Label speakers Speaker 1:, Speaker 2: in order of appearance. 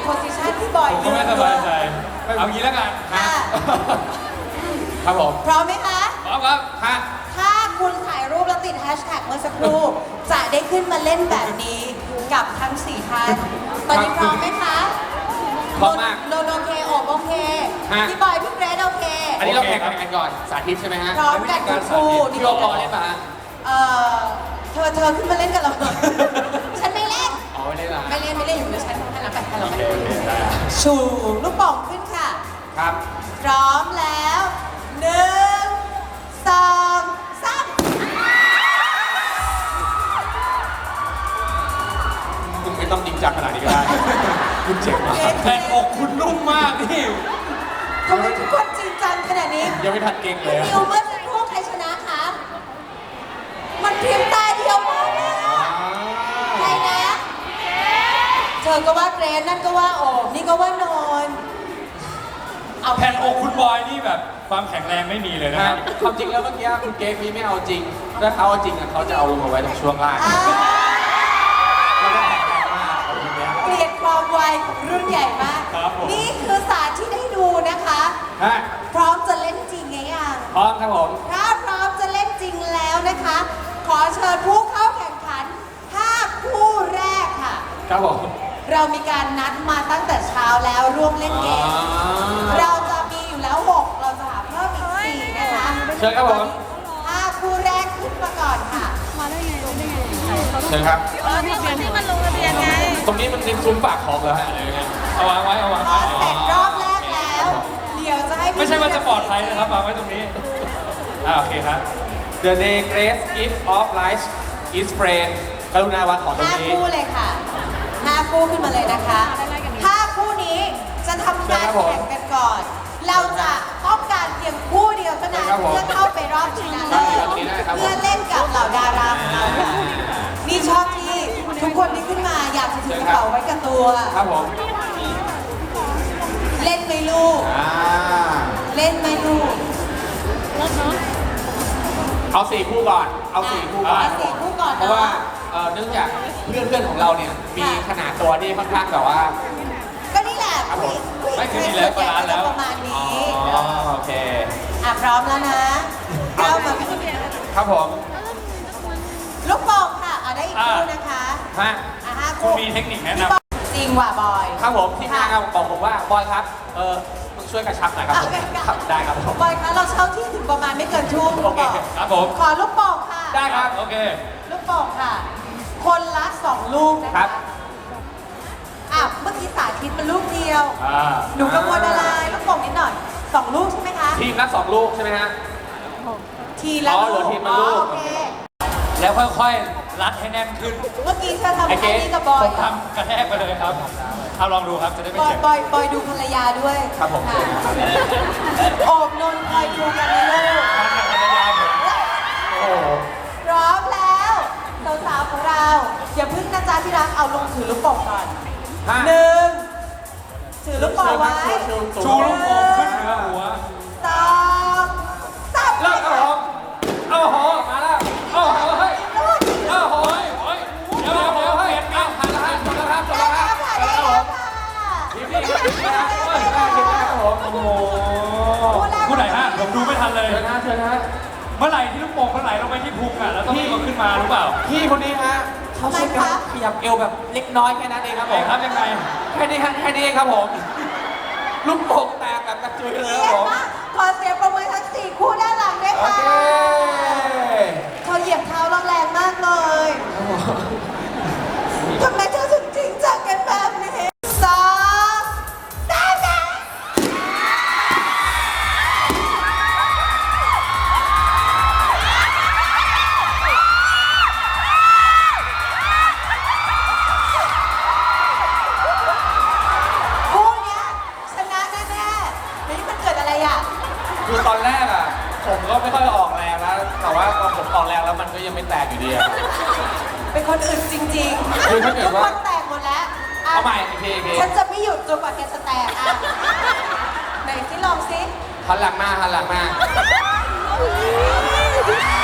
Speaker 1: โพสิชันที่บอย
Speaker 2: ผมก็ไม่สบายใจเอางี้แล้วกัน
Speaker 1: ค่ะ
Speaker 3: ครับผม
Speaker 1: พร้อมไหมคะ
Speaker 2: พร้อมครับ
Speaker 3: ค่ะ
Speaker 1: ถ้าคุณถ่ายรูปแล้วติดแฮชแท็กเมื่อสักครู่ จะได้ขึ้นมาเล่นแบบนี้กับทั้ง4ท่านตอนนี้พร้อมไหมคะ
Speaker 3: พร้อมมาก
Speaker 1: โนโอเคโอบโอเค
Speaker 3: ฮะ
Speaker 1: พี่บอยพี่เกรดโอเค
Speaker 3: อันนี้เราแข่งกันก่อนสาธิตใช่ไหมฮะ
Speaker 1: พร้อมกันทุกคู่
Speaker 3: พี่โอปอเล่นป่ะฮะ
Speaker 1: เอ่อเธอขึ้นมาเล่นกับเราหน่อยฉันไม่เล่น
Speaker 3: อ๋อไม่เล่นเหรอ
Speaker 1: ไม่เล่นอยู่เดี๋ยวฉันให้เราไปให้เรา
Speaker 2: โอ
Speaker 1: ไป
Speaker 2: เคโอเคได้
Speaker 1: ชูลูกโป่งขึ้นค่ะ
Speaker 3: ครับ
Speaker 1: พร้อมแล้ว1 2 3
Speaker 3: คุณไม่ต้องจริงจังขนาดนี้ก็ได้ คุณเจ๋งมาก
Speaker 2: แผ่นอกคุณนุ่มมากนี่
Speaker 1: ทำไมทุกคนจริงจังขนาดนี้
Speaker 3: ยังไม่ทันเก่งเลย
Speaker 1: นิวเมื่อสักครู่ใครชนะคะมันเพียงตาเดียวมากเลยอะใครนะ เธอก็ว่าเกรนนั่นก็ว่าโอบนี่ก็ว่านนท์เอา
Speaker 2: แผ่นอกคุณบอยนี่แบบความแข็งแรงไม่มีเลยนะ
Speaker 3: นะ
Speaker 2: ค
Speaker 3: ค
Speaker 2: รั
Speaker 3: รั
Speaker 2: บบ
Speaker 3: ความจริงแล้วเมื่อกี้คุณเก๊กนี่ไม่เอาจริง ถ้าเขาเอาจริงอะเขาจะเอาลงมาไว้ตรงช่วงล่าง
Speaker 1: อ่า
Speaker 3: แล้วก็แข็งแรงมากเอาทีเนี้ย
Speaker 1: เกลียดความไวของรุ่นใหญ่มาก
Speaker 2: ครับผม
Speaker 1: นี่คือศาสตร์ที่ได้ดูนะคะ
Speaker 3: ฮะ
Speaker 1: พร้อมจะเล่นจริงไงยัง
Speaker 3: พร้อมครับผม
Speaker 1: ถ้าพร้อมจะเล่นจริงแล้วนะคะ ขอเชิญผู้เข้าแข่งขัน 5 คู่แรกค่ะ
Speaker 3: ครับผม
Speaker 1: เรามีการนัดมาตั้งแต่เช้าแล้วร่วมเล่นเกม เราจะมีอยู่แล้ว 6 เราจะหาเพิ่มอีก 4 นะคะ
Speaker 3: เชิญครับผม
Speaker 1: 5 คู่แรกขึ้นมาก่อนค่ะ
Speaker 3: เชิญครับ
Speaker 4: ที่มันลงทะเบียนไง
Speaker 3: ตรงนี้มันเป็นซุ้มปากคลองแล้วฮะอะไรเงี้ย
Speaker 2: เอาวางไว้เอาวาง
Speaker 1: พอ
Speaker 2: ไว้
Speaker 1: เสร็จรอบแรกแล้ว เดี๋ยวจะให้
Speaker 2: ไม่ใช่ว่าจะปลอดภัยนะครับวางไว้ตรงนี้โอเคครับ
Speaker 3: The day grace gift of life is friend กรุณาวางของตรง
Speaker 1: 5
Speaker 3: นี้
Speaker 1: คู่เลยค่ะ 5 คู่ขึ้นมาเลยนะคะ 5 คู่นี้จะทำการแข่งกันก่อน เราจะต้องการเพียงคู่เดียวเท่านั้น
Speaker 3: ครับผม
Speaker 1: เพื่อเข้าไปรอบชิงชนะเลิศเพื่อเล่นกับเหล่าดาราของเราค่ะนี่ชอบที่ทุกคนที่ขึ้นมาอยากจะถือกระเป๋าไว้กับตัว
Speaker 3: ครับผม
Speaker 1: เล่นไหมลูก เล่นไหมลูก
Speaker 3: เอา4คู่ก่อน เอา4คู่ก่อน
Speaker 1: เอาสี่คู่ก่อน
Speaker 3: เพราะว่าเนื่องจากเพื่อนๆของเราเนี่ย มีขนาดตัวที่ค่อนข้างแบบว่า
Speaker 1: ก็นี่แหละ
Speaker 3: ครับผม
Speaker 2: ไม่คือดีแล้วบาลานซ์แล้ว
Speaker 1: ประมาณนี้
Speaker 3: อ๋อโอเค
Speaker 1: พร้อมแล้วนะเรามา
Speaker 3: ครับผม
Speaker 1: ลูกโป่งค่ะได้อีกคู่นะคะ
Speaker 3: ฮะ
Speaker 1: ห้า
Speaker 2: คุณ
Speaker 1: คู่
Speaker 2: มีเทคนิคแนะ
Speaker 1: พี่
Speaker 2: นำ
Speaker 1: บอยจริงว่ะบอย
Speaker 3: ครับผมที่งานครับบอกผมว่าบอยครับมึงช่วยกระชับหน่อยครับผมครับได้ครับผม
Speaker 1: บอยคะเราเช่าที่ถึงประมาณไม่เกินชั่วโมง
Speaker 3: โอเค
Speaker 2: ครับผม
Speaker 1: ขอลูกโป่งค่ะ
Speaker 3: ได้ครับ
Speaker 2: โอเค
Speaker 1: ลูกโป่งค่ะ คนละ2 ลูกนะ
Speaker 3: ครั
Speaker 1: คะ
Speaker 3: บ
Speaker 1: เมื่อกี้สาธิตมันลูกเดียว
Speaker 2: อ่า
Speaker 1: หนูกังวลอะไรลูกโป่งนิดหน่อย2 ลูกใช่ไหมคะ
Speaker 3: ทีมละ2ลูกใช่ไหมฮะ
Speaker 1: ทีละ
Speaker 3: อ๋อ
Speaker 1: ลู
Speaker 3: เหลื
Speaker 1: ก
Speaker 3: อทีมละลูก
Speaker 1: โอเค
Speaker 2: แล้วค่อยๆรัดให้แน่นขึ้น
Speaker 1: เมื่อกี้เธอทำ
Speaker 3: ไอ้เก๋
Speaker 1: แค่นี้กับบอย
Speaker 2: ผมทำกระแทกไปเลยครับเอาลองดูครับจะได้ไม่
Speaker 1: บอย
Speaker 2: เจ็บ
Speaker 1: บอยดูภรรยาด้วย
Speaker 3: ครับผม
Speaker 1: ะโอบนนท์คอยดูกันนะลูก
Speaker 2: มันกับภรรยาผม
Speaker 3: โอ้โห
Speaker 1: พร้อมแล้วสาวๆของเราอย่าพึ่งนะจ๊ะที่รักเอาลงถือลูกโป่งก่อน
Speaker 3: ฮะ
Speaker 1: 1ถือลูกโป่งไว้
Speaker 2: ชูลูกโป่งขึ้นเหนือหัว
Speaker 1: 2 3
Speaker 3: เลิกครับผมเอาโหมาแล้วเอาโหเฮ้ยเอาโห
Speaker 2: เฮ้ยเดี๋ยวเดี๋ยวเฮ้ย
Speaker 3: เอาผ่านแล้วฮะจบแล้วครับจบ
Speaker 1: ได้
Speaker 3: แล้วค
Speaker 1: แล้
Speaker 3: รับ
Speaker 1: วค่ะ
Speaker 3: จบ
Speaker 1: ได้
Speaker 3: แล้วค
Speaker 1: แล้
Speaker 3: รับ
Speaker 1: วค่ะ
Speaker 3: ทีมแรกครับผม
Speaker 2: โอ้โหคู่ไหนฮะผมดูไม่ทันเลย
Speaker 3: เชิญฮะเชิญฮะ
Speaker 2: เมื่อไหร่ที่ลูกโป่งมันไหลลงไปที่พุงอ่ะแล้วต้องรีบเอาขึ้นมาหรือเปล่า
Speaker 3: พี่คนนี้ฮะเขาใช้การขยับเอวแบบเล็กน้อยแค่นั้นเองครับผ
Speaker 2: ไอ้
Speaker 3: ม
Speaker 2: ครับยังไง
Speaker 3: แค่นี้ฮะแค่นี้เองครับผม ลูกโป่งแตกแบบกระจุยเลยครับผม
Speaker 1: ขอเสียงประมือทั้ง4คู่ด้านหลังด้วย
Speaker 3: โอ
Speaker 1: ค่ะ
Speaker 3: เค
Speaker 1: เขาเหยียบเท้าเราแรงมากเลยทำไมเธอถึงจริงจังกันแบบนี้2 3 คู่เนี้ยชนะแน่ๆนี่มันเกิดอะไรอ่ะ
Speaker 3: คือตอนแรกอ่ะ ผมก็ไม่ค่อยออกแรงนะแต่ว่าพอผมออกแรงแล้วมันก็ยังไม่แตกอยู่ดีอะ
Speaker 1: เป็นคนอื่นจริง
Speaker 3: คือถ้าเกิด
Speaker 1: ทุก
Speaker 3: ว่า
Speaker 1: คนแตกหมดแล้วะ
Speaker 3: เอาใหม่อีกที
Speaker 1: ฉันจะไม่หยุดจนกว่าแกจะแตกอ่ะไหนที่ลองซิ
Speaker 3: หันหลังมาหันหลังมา